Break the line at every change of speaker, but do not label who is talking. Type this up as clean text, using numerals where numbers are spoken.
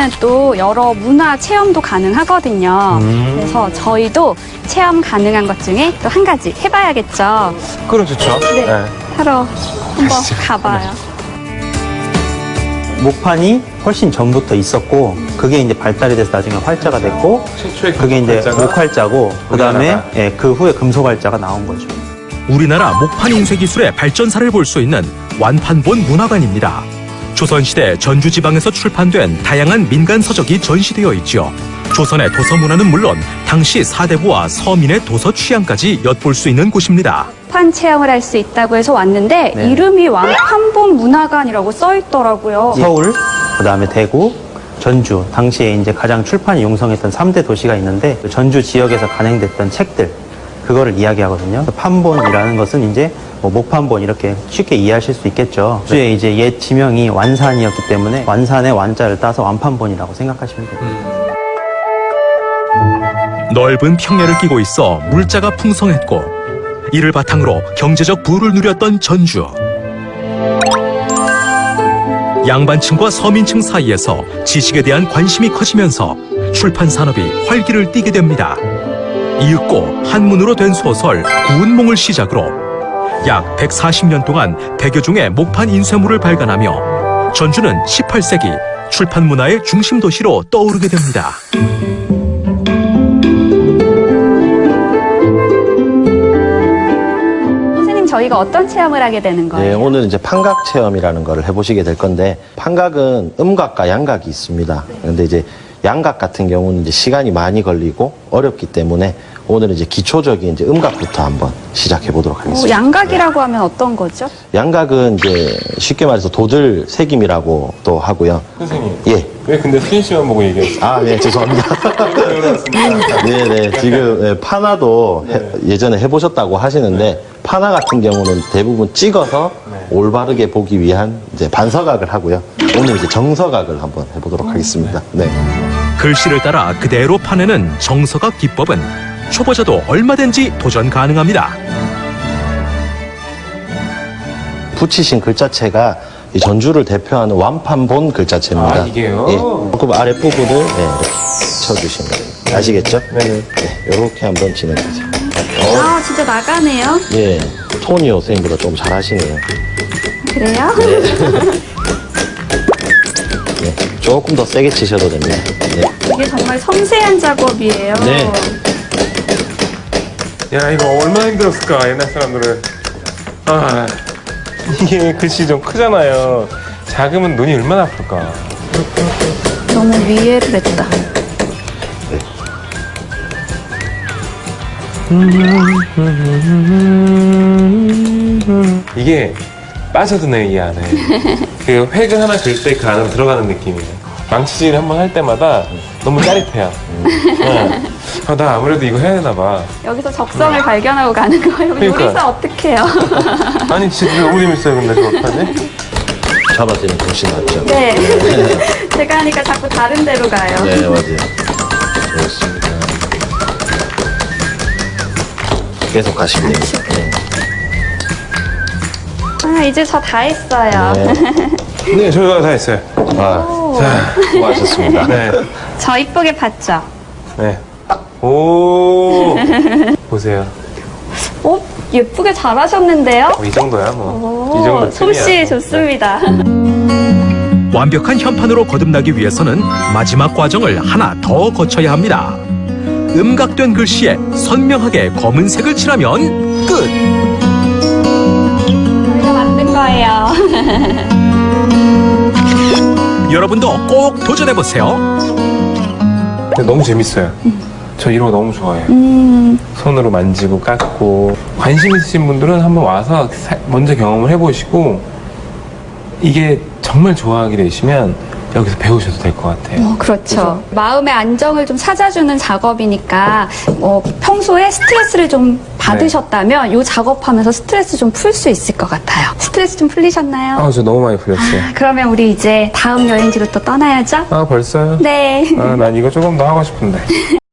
또 여러 문화 체험도 가능하거든요. 그래서 저희도 체험 가능한 것 중에 또 한 가지 해봐야겠죠.
그럼 좋죠.
네, 하러 한번
가시죠.
가봐요.
목판이 훨씬 전부터 있었고 그게 이제 발달이 돼서 나중에 활자가 됐고
최초의
그게 이제
금속활자가
목활자고 그다음에
우리나라.
예, 그 후에 금속활자가 나온 거죠.
우리나라 목판 인쇄 기술의 발전사를 볼 수 있는 완판본 문화관입니다. 조선시대 전주 지방에서 출판된 다양한 민간 서적이 전시되어 있죠. 조선의 도서 문화는 물론 당시 사대부와 서민의 도서 취향까지 엿볼 수 있는 곳입니다.
판 체험을 할 수 있다고 해서 왔는데
네.
이름이 완판본 문화관이라고 써 있더라고요.
서울, 그다음에 대구, 전주 당시에 이제 가장 출판이 용성했던 3대 도시가 있는데 그 전주 지역에서 간행됐던 책들 그거를 이야기하거든요. 판본이라는 것은 이제 뭐 목판본 이렇게 쉽게 이해하실 수 있겠죠. 주에 이제 옛 지명이 완산이었기 때문에 완산의 완자를 따서 완판본이라고 생각하시면 됩니다.
넓은 평야를 끼고 있어 물자가 풍성했고 이를 바탕으로 경제적 부를 누렸던 전주. 양반층과 서민층 사이에서 지식에 대한 관심이 커지면서 출판 산업이 활기를 띠게 됩니다. 이윽고 한문으로 된 소설 구운몽을 시작으로 약 140년 동안 100여 종의 목판 인쇄물을 발간하며 전주는 18세기 출판 문화의 중심 도시로 떠오르게 됩니다.
선생님, 저희가 어떤 체험을 하게 되는 거예요?
네, 오늘 이제 판각 체험이라는 거를 해보시게 될 건데, 판각은 음각과 양각이 있습니다. 그런데 이제 양각 같은 경우는 이제 시간이 많이 걸리고 어렵기 때문에 오늘은 이제 기초적인 이제 음각부터 한번 시작해 보도록 하겠습니다.
양각이라고 하면 어떤 거죠?
양각은 이제 쉽게 말해서 도들 새김이라고 또 하고요.
선생님.
예.
왜 근데 수진 씨만 보고 얘기했어요?
아, 네, 죄송합니다. 네, 네. 지금 예, 파나도 예전에 해보셨다고 하시는데 파나 같은 경우는 대부분 찍어서 올바르게 보기 위한 이제 반서각을 하고요. 오늘 이제 정서각을 한번 해보도록 하겠습니다. 네.
글씨를 따라 그대로 파내는 정서각 기법은 초보자도 얼마든지 도전 가능합니다.
붙이신 글자체가 이 전주를 대표하는 완판본 글자체입니다.
아, 이게요?
예. 조금 아랫부분을 이렇게 쳐주시면 됩니다. 아시겠죠?
네네.
네, 이렇게 한번 진행하세요.
아, 진짜 나가네요.
예, 토니오 선생님보다 좀 잘하시네요.
그래요?
네, 조금 더 세게 치셔도 됩니다. 네.
이게 정말 섬세한 작업이에요.
네.
야, 이거 얼마나 힘들었을까, 옛날 사람들은. 아, 이게 글씨 좀 크잖아요. 작으면 눈이 얼마나 아플까.
너무 위해를 했다.
이게 빠져드네, 이 안에. 그 획을 하나 그릴 때 그 안으로 들어가는 느낌이에요. 망치질 한번 할 때마다 너무 짜릿해요. 네. 아, 나 아무래도 이거 해야 되나 봐.
여기서 적성을 발견하고 가는 거예요.
그러니까.
요리사 어떻게 해요?
아니, 진짜 너무 재밌어요, 근데 저거 어떡하지?
잡아드리면 훨씬 낫죠.
네. 제가 하니까 자꾸 다른 데로 가요.
네, 맞아요. 좋습니다. 계속 가시면 됩니다.
아, 이제 저 다 했어요.
네.
네, 저희가 다 했어요.
아,
자,
수고하셨습니다.
네.
저 이쁘게 봤죠?
네. 오. 보세요.
예쁘게 잘하셨는데요?
이 정도야, 뭐. 이 정도
솜씨
틈이야.
좋습니다.
완벽한 현판으로 거듭나기 위해서는 마지막 과정을 하나 더 거쳐야 합니다. 음각된 글씨에 선명하게 검은색을 칠하면 끝!
저희가 만든 거예요.
여러분도 꼭 도전해보세요.
근데 너무 재밌어요. 저 이런 거 너무 좋아해요. 손으로 만지고 깎고. 관심 있으신 분들은 한번 와서 먼저 경험을 해보시고 이게 정말 좋아하게 되시면 여기서 배우셔도 될 것 같아요.
그렇죠. 마음의 안정을 좀 찾아주는 작업이니까 평소에 스트레스를 좀 받으셨다면 이 작업하면서 스트레스 좀 풀 수 있을 것 같아요. 스트레스 좀 풀리셨나요?
아, 저 너무 많이 풀렸어요.
그러면 우리 이제 다음 여행지로 또 떠나야죠?
아, 벌써요?
네.
아, 난 이거 조금 더 하고 싶은데.